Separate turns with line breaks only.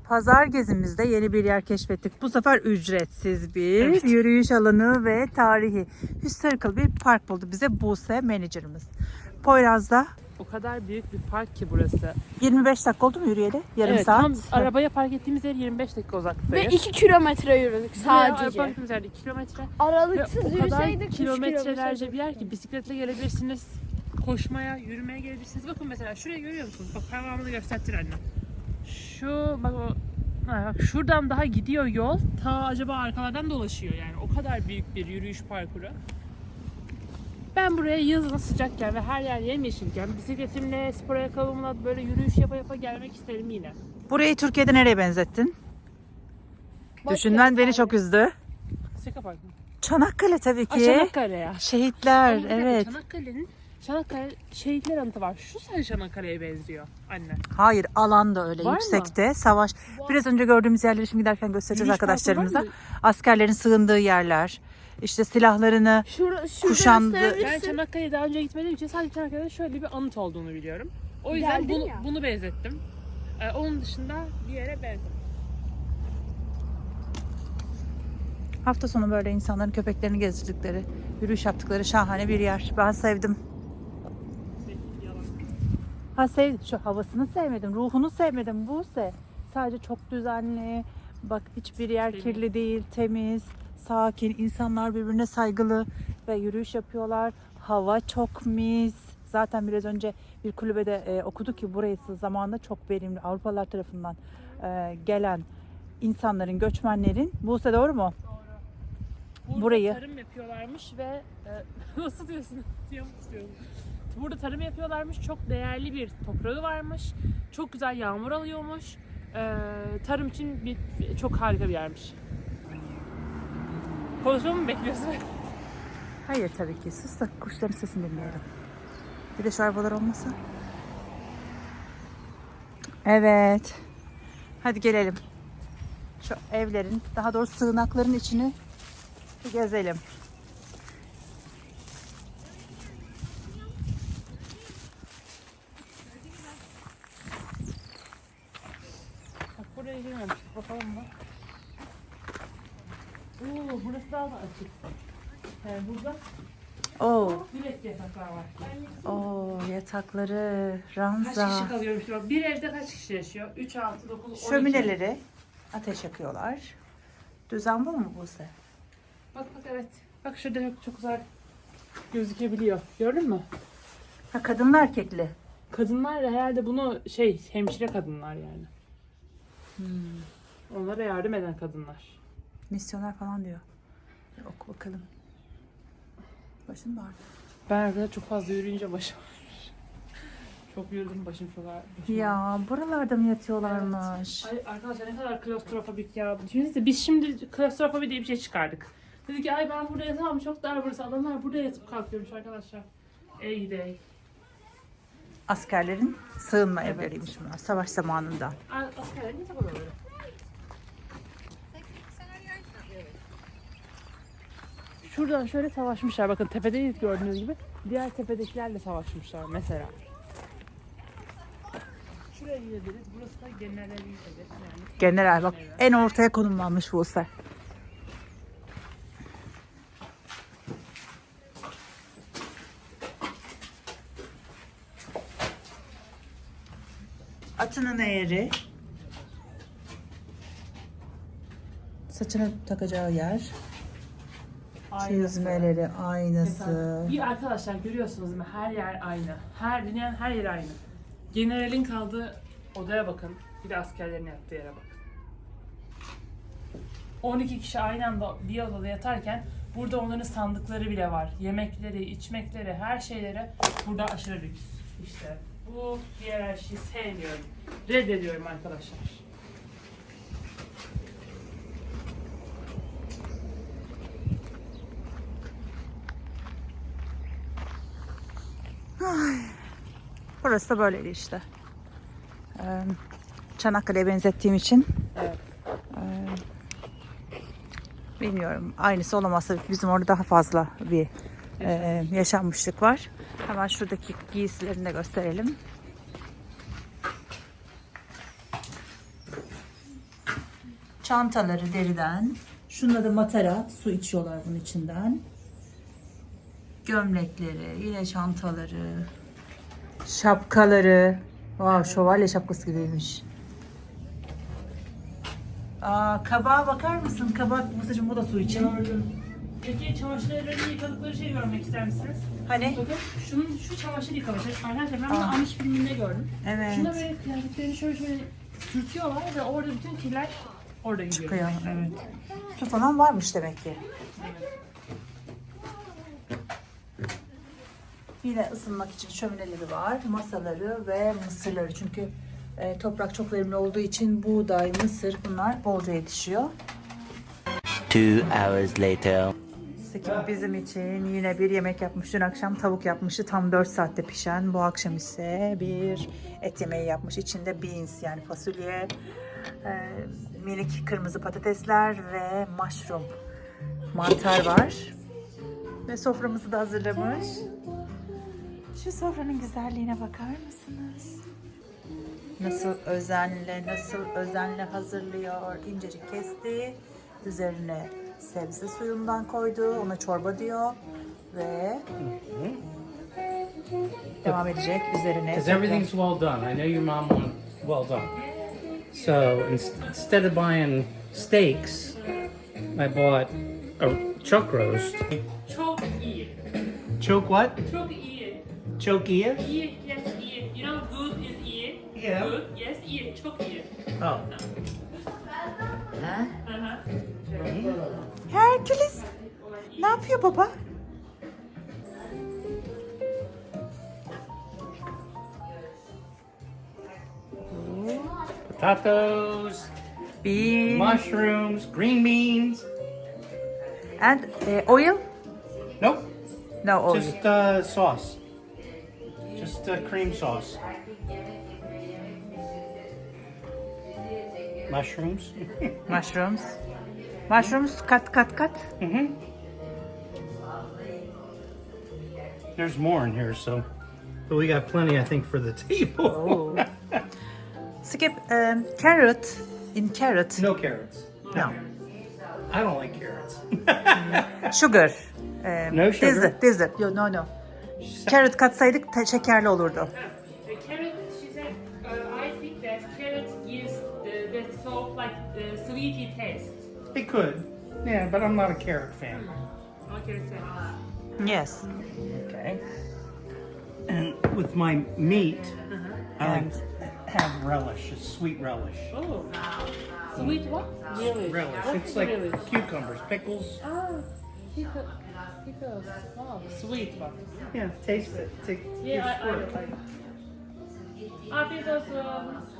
Pazar gezimizde yeni bir yer keşfettik. Bu sefer ücretsiz bir
Evet.
yürüyüş alanı ve tarihi historical bir park buldu bize Buse menajerimiz. Poyraz'da
O kadar büyük bir park ki burası.
25 dakika oldu mu yürüyeli? Yarım
Evet,
saat.
tam arabaya park ettiğimiz yer 25 dakika
Ve
uzaklıktayız.
2 kilometre yürüdük
Arabaya
sadece.
park ettiğimiz yerde 2 kilometre. Ve
Aralıksız
o kadar
yürüseydik 3
kilometrelerce bir yer ki bisikletle gelebilirsiniz. Koşmaya, yürümeye gelebilirsiniz. Bakın mesela şurayı görüyor musunuz? Bak parmağımı göstertir anne. Şu bak o bak şuradan daha gidiyor yol. Ta acaba arkalardan dolaşıyor yani. O kadar büyük bir yürüyüş parkuru. Ben buraya yazın sıcakken ve her yer yemyeşilken bisikletimle, spor ayakkabımla böyle yürüyüş yapa yapa gelmek isterim yine.
Burayı Türkiye'de nereye benzettin? Düşünmen beni çok üzdü.
Seka Park mı?
Çanakkale tabii ki.
Çanakkale ya.
Şehitler,
Ama bir dakika,
evet.
Çanakkale şehitler anıtı var. Şu sadece Çanakkale'ye benziyor anne.
Hayır, alan da öyle
Var mı?
yüksekte. Savaş. Biraz önce gördüğümüz yerleri şimdi giderken göstereceğiz
Yürüyüş
arkadaşlarımıza.
parkuru var mı?
Askerlerin sığındığı yerler. İşte silahlarını kuşandı.
Ben Çanakkale'ye daha önce gitmediğim için sadece Çanakkale'de şöyle bir anıt olduğunu biliyorum. O yüzden
Geldin ya.
bunu benzettim. Onun dışında bir yere benzettim.
Hafta sonu böyle insanların köpeklerini gezdirdikleri, yürüyüş yaptıkları şahane bir yer. Ben sevdim. Ha sevdim. Şu havasını sevmedim, ruhunu sevmedim Buse. Sadece çok düzenli. Bak hiçbir yer
Temiz.
kirli değil, temiz, sakin. İnsanlar birbirine saygılı ve yürüyüş yapıyorlar. Hava çok mis. Zaten biraz önce bir kulübede okuduk ki burası zamanında çok verimli Avrupalılar tarafından gelen insanların, göçmenlerin. Buse doğru mu?
Burada
Burayı-
tarım yapıyorlarmış ve nasıl diyorsun? Burada tarım yapıyorlarmış. Çok değerli bir toprağı varmış. Çok güzel yağmur alıyormuş. Tarım için çok harika bir yermiş. Konuşmamı mı bekliyorsun?
Hayır tabii ki. Sus da kuşların sesini dinleyelim. Bir de şu arabalar olmasa. Evet. Hadi gelelim. Şu evlerin, daha doğrusu sığınakların içini bir gezelim.
Bak buraya girmemiştik. Bakalım mı? Oo, burası daha da açık. Burada
Oo,
direkt yataklar var.
oo yatakları, ranza,
Kaç kişi kalıyormuş? Bak, bir evde kaç kişi yaşıyor? 3, 6, 9, 12.
şömineleri, ateş yakıyorlar. Düzen bu mu Buse?
Bak evet. Bak şurada çok güzel gözükebiliyor. Gördün mü?
Ha kadınlı erkekli.
Kadınlar herhalde bunu hemşire kadınlar yani. Onlara yardım eden kadınlar.
Misyoner falan diyor. Bir oku bakalım. Başın mı ağrıyor?
Ben arkada çok fazla yürüyünce başım ağrır. Çok yürüdüm başım çok ağrır.
Ya buralarda mı yatıyorlarmış?
Ay arkadaşlar ne kadar klostrofobik ya. Düşünsenize biz şimdi klostrofobi diye bir şey çıkardık. Dedik ki ay ben burada yatamam çok dar burası. Adamlar burada yatıp kalkıyormuş arkadaşlar. Ey gidi ey.
Askerlerin sığınma
Evet.
evleriymiş bunlar savaş zamanında.
Askerler ne zaman oluyor? Şuradan şöyle savaşmışlar. Bakın tepedeyiz gördüğünüz gibi. Diğer tepedekilerle savaşmışlar mesela. Şuraya gidebiliriz. Burası da generalin evi. Yani
General bak en ortaya konumlanmış Buse. Atının eğeri. Saçını takacağı yer. Çizmeleri, aynası.
Bir arkadaşlar görüyorsunuz değil mi? Her yer aynı. Dünyanın her yeri aynı. Generalin kaldığı odaya bakın. Bir de askerlerin yattığı yere bakın. 12 kişi aynı anda bir odada yatarken burada onların sandıkları bile var. Yemekleri, içmekleri, her şeyleri burada aşırı lüks. İşte bu hiyerarşiyi sevmiyorum. Reddediyorum arkadaşlar.
Burası da böyleydi işte. Çanakkale'ye benzettiğim için.
Evet.
Bilmiyorum. Aynısı olamazsa bizim orada daha fazla bir yaşanmışlık var. Hemen şuradaki giysilerini de gösterelim. Çantaları deriden. Şunda da matara. Su içiyorlar bunun içinden. Gömlekleri, yine çantaları. Şapkaları. Wow, şövalye şapkası gibiymiş. Kabağa bakar mısın? Kabak, Musa'cığım bu da su için.
Peki çamaşırlarını yıkadıkları şeyi görmek ister misiniz?
Hani?
Bakın şu çamaşır yıkaması. Arkadaşlar ben bunu Amish filminde gördüm.
Evet.
Şunda böyle kıyafetlerini şöyle sürtüyorlar ve orada bütün kirler orada gidiyor.
Çıkıyor, evet. Su falan varmış demek ki. Yine ısınmak için şömineleri var, masaları ve mısırları. Çünkü toprak çok verimli olduğu için buğday, mısır bunlar bolca yetişiyor.
2 hours later.
Sekim bizim için yine bir yemek yapmış. Dün akşam tavuk yapmıştı. Tam 4 saatte pişen. Bu akşam ise bir et yemeği yapmış. İçinde beans yani fasulye, minik kırmızı patatesler ve mushroom mantar var. Ve soframızı da hazırlamış. Şu sofranın güzelliğine bakar mısınız? Nasıl özenle hazırlıyor. İncecik kesti. Üzerine sebze suyundan koydu. Ona çorba diyor. Ve devam edecek üzerine.
Because everything's well done. I know your mom wants well done. So instead of buying steaks, I bought a chuck roast.
Çok iyi.
Choke what?
Çok iyi.
Choke ear?
İyi, yes, iyi. You know good is iyi.
Yeah.
Good, yes, iyi. Çok iyi.
Oh.
Herküles. Ne yapıyor baba?
Potatoes,
Bean
mushrooms, green beans.
and oil?
Nope,
No oil.
just sauce. Just cream sauce. Mushrooms.
Mushrooms. Mushrooms kat.
There's more in here, so. But we got plenty, I think, for the table.
Oh. Skip carrot in carrot.
No carrots.
No.
I don't like carrots.
Sugar.
No sugar?
Dessert. No. Carrot katsaydık şekerli olurdu.
Carrot, she said, I think that carrot gives the soap like the sweety taste.
It could. Yeah, but I'm not a carrot fan.
What can I say?
Yes.
Okay. And with my meat, I like to have relish, a sweet relish.
Oh, sweet what? Really?
Relish.
What's
It's like
relish?
cucumbers, pickles.
Ah, pickles. Wow, sweet one.
Yeah, taste it. Take
Yeah,
your
I
squirt.
like. Pickles.